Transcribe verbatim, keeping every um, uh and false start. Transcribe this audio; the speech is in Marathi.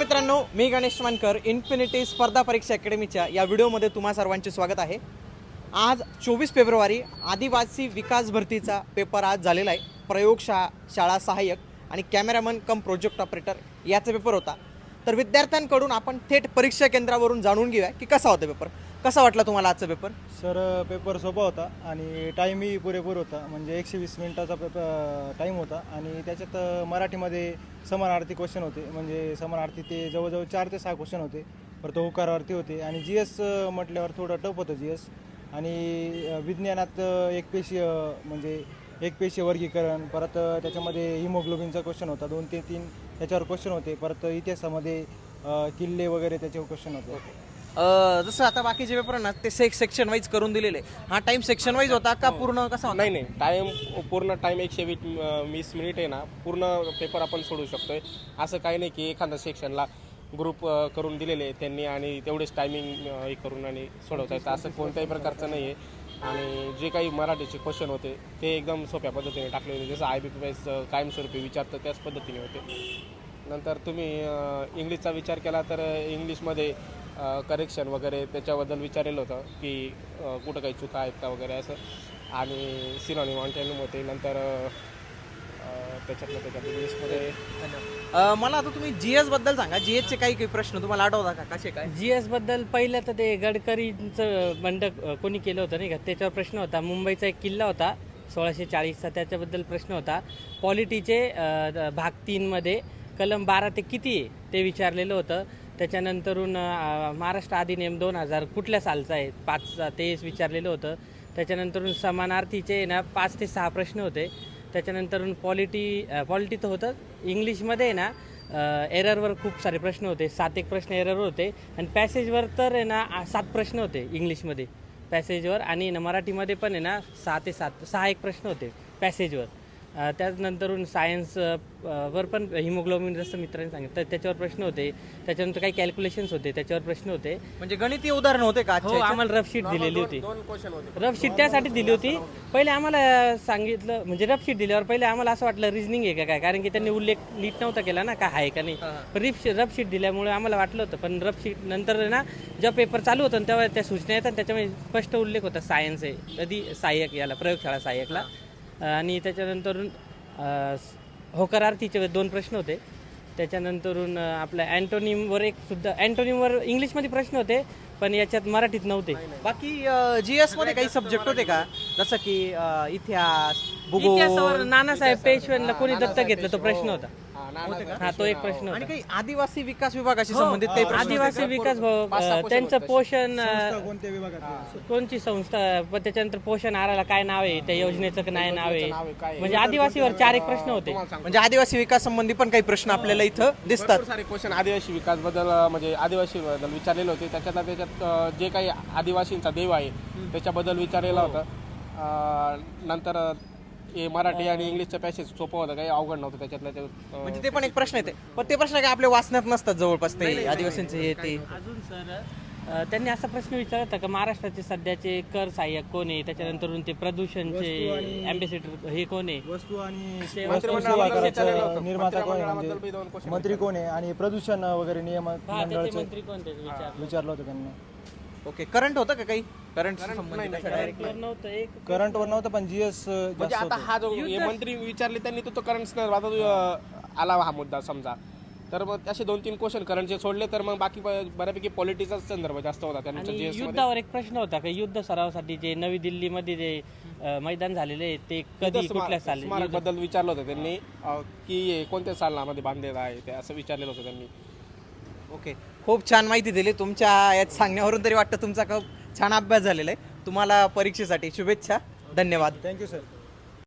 मित्रांनो, मी गणेश मानकर इन्फिनिटी स्पर्धा परीक्षा अकॅडमीच्या या व्हिडिओमध्ये तुम्हा सर्वांचे स्वागत आहे। आज चोवीस फेब्रुवारी आदिवासी विकास भरतीचा पेपर आज झालेला आहे। प्रयोगशाळा शाळा सहाय्यक आणि कॅमेरामन कम प्रोजेक्ट ऑपरेटर याचा पेपर होता। तर विद्यार्थ्यांकडून आपण थेट परीक्षा केंद्रावरून जाणून घेऊया की कसा होता पेपर। कसा वाटला तुम्हाला आजचा पेपर? सर, पेपर सोपा होता आणि टाईमही पुरेपूर होता। म्हणजे एकशे वीस मिनिटाचा पेपर टाईम होता आणि त्याच्यात मराठीमध्ये समानार्थी क्वेश्चन होते। म्हणजे समानार्थी ते जवळजवळ चार ते सहा क्वेश्चन होते। परत होकारार्थी होते आणि जी एस म्हटल्यावर थोडं टफ होतं जी एस। आणि विज्ञानात एक पेशीय म्हणजे एक पेशीय वर्गीकरण, परत त्याच्यामध्ये हिमोग्लोबिनचा क्वेश्चन होता। दोन ते तीन त्याच्यावर क्वेश्चन होते। परत इतिहासामध्ये किल्ले वगैरे त्याच्यावर क्वेश्चन होते। जसं आता बाकीचे पेपर ना ते सेक सेक्शन वाईज करून दिलेले, हा टाइम सेक्शन वाईज होता का पूर्ण कसा होता? नाही नाही, टाइम पूर्ण टाइम एकशे वीस वीस मिनिट आहे ना, पूर्ण पेपर आपण सोडू शकतोय। असं काही नाही की एखाद्या सेक्शनला ग्रुप करून दिलेले त्यांनी आणि तेवढेच टायमिंग हे करून आणि सोडवता येतं, असं कोणत्याही प्रकारचं नाही आहे। आणि जे काही मराठीचे क्वेश्चन होते ते एकदम सोप्या पद्धतीने टाकले होते, जसं आय बी पी एस कायमस्वरूपी विचारतं त्याच पद्धतीने होते। नंतर तुम्ही इंग्लिशचा विचार केला तर इंग्लिशमध्ये करेक्शन वगैरे त्याच्याबद्दल विचारलेलं होतं की कुठं काही चुका आहेत का वगैरे असं, आणि सिनॉनिम अँटोनिम होते। नंतर त्याच्यातलं त्याच्यात इंग्लिशमध्ये मला आता तुम्ही जी एस बद्दल सांगा। जी एसचे काही काही प्रश्न तुम्हाला आठवता का? कसे काय? जी एस बद्दल पहिलं तर ते गडकरींचं बंड कोणी केलं होतं नाही का, त्याच्यावर प्रश्न होता। मुंबईचा एक किल्ला होता सोळाशे चाळीसचा, त्याच्याबद्दल प्रश्न होता। पॉलिटीचे भाग तीनमध्ये कलम बारा ते किती आहे ते विचारलेलं होतं। त्याच्यानंतरून महाराष्ट्र अधिनियम दोन हजार कुठल्या सालचा आहे पाचचा ते विचारलेलं होतं। त्याच्यानंतरून समानार्थीचे ना पाच ते सहा प्रश्न होते। त्याच्यानंतरून पॉलिटी पॉलिटी तर होतं। इंग्लिशमध्ये ना एररवर खूप सारे प्रश्न होते, सात एक प्रश्न एररवर होते। आणि पॅसेजवर तर आहे ना सात प्रश्न होते इंग्लिशमध्ये पॅसेजवर, आणि ना मराठीमध्ये पण आहे ना सहा ते सात सहा एक प्रश्न होते पॅसेजवर। त्यानंतरून सायन्स वर पण हिमोग्लोबिन जसं मित्रांनी सांगितलं त्याच्यावर प्रश्न होते। त्याच्यानंतर काही कॅल्क्युलेशन्स होते त्याच्यावर प्रश्न होते। म्हणजे गणितीय उदाहरण होते का? हो, आम्हाला रफ शीट दिलेली होती। दोन क्वेश्चन होते। रफ शीट त्यासाठी दिली होती, पहिले आम्हाला सांगितलं म्हणजे रफ शीट दिल्यावर पहिले आम्हाला असं वाटलं रिजनिंग आहे का काय, कारण की त्यांनी उल्लेख नीट नव्हता केला ना काय आहे का नाही। पण रिफ रफ शीट दिल्यामुळे आम्हाला वाटलं होतं, पण रफ शीट नंतर ना जेव्हा पेपर चालू होतं तेव्हा त्या सूचना येतात त्याच्यामध्ये स्पष्ट उल्लेख होता सायन्स आहे कधी सहाय्यक याला प्रयोगशाळा सहाय्यकला। आणि त्याच्यानंतर होकारार्थीचे दोन प्रश्न होते। त्याच्यानंतरून आपल्या अँटोनिमवर एक सुद्धा अँटोनिमवर इंग्लिशमध्ये प्रश्न होते पण याच्यात मराठीत नव्हते। बाकी जी एस मध्ये काही सब्जेक्ट होते का, जसं की इतिहास, भूगोल? इतिहासावर नानासाहेब पेशव्यांना कोणी दत्तक घेतलं तो प्रश्न होता। हा, तो एक प्रश्न आणि होता। काही आदिवासी विकास विभागाशी संबंधित काही प्रश्न होते का? आदिवासी विकास भाऊ त्यांचं पोषण कोणत्या विभागात कोणची संस्था, पण त्याच्यानंतर पोषण आहाराला काय नाव आहे, त्या योजनेचं काय नाव आहे, म्हणजे आदिवासीवर चार एक प्रश्न होते। म्हणजे आदिवासी विकास संबंधी पण काही प्रश्न आपल्याला इथं दिसतात। भरपूर सारे क्वेश्चन आदिवासी विकास बद्दल म्हणजे आदिवासी बद्दल विचारलेले होते। त्याच्यात त्याच्यात जे काही आदिवासींचा देव आहे त्याच्याबद्दल विचारलेलं होतं। नंतर हे मराठी आणि इंग्लिशचं पॅसेज सोपं होतं, काही अवघड नव्हतं त्याच्यातलं। म्हणजे ते पण एक प्रश्न येते, पण ते प्रश्न काय आपल्या वाचण्यात नसतात जवळपास ते आदिवासींचे हे ते। अजून सर त्यांनी असा प्रश्न विचारला होता का महाराष्ट्राचे सध्याचे कर सहाय्यक कोण आहे, त्याच्यानंतरून ते प्रदूषणचे अँबॅसेडर हे कोण आहे, वस्तू आणि मंत्रिमंडळाबद्दल निर्माता कोण आहे, मंत्रिमंडळाबद्दल दोन म्हणजे question मंत्री कोण आहे, आणि प्रदूषण वगैरे नियम हा त्याचे मंडळाचं मंत्री कोण ते विचारलं विचारलं होतं त्यांना। ओके, करंट होतं का काही? करंट डायरेक्ट नव्हतं एक करंट वर नव्हतं पण जीएस म्हणजे आता हा जो हे मंत्री विचारले त्यांनी तो तो करंट आता आला हा मुद्दा समजा, तर मग असे दोन तीन क्वेश्चन करंटचे सोडले तर मग बाकी बऱ्यापैकी पॉलिटिक्सचा संदर्भ जास्त होता त्यांचा। आणि युद्धावर एक प्रश्न होता का युद्ध सरावासाठी जे नवी दिल्लीमध्ये जे मैदान झालेले ते कधी कुठल्या साली स्मारक बद्दल विचारलं होतं त्यांनी की कोणत्या सालामध्ये बांधलेलं आहे ते असं विचारलेलं होतं त्यांनी। ओके, खूप छान माहिती दिली। तुमच्या यात सांगण्यावरून तरी वाटतं तुमचा खूप छान अभ्यास झालेला आहे। तुम्हाला परीक्षेसाठी शुभेच्छा, धन्यवाद। Thank you sir.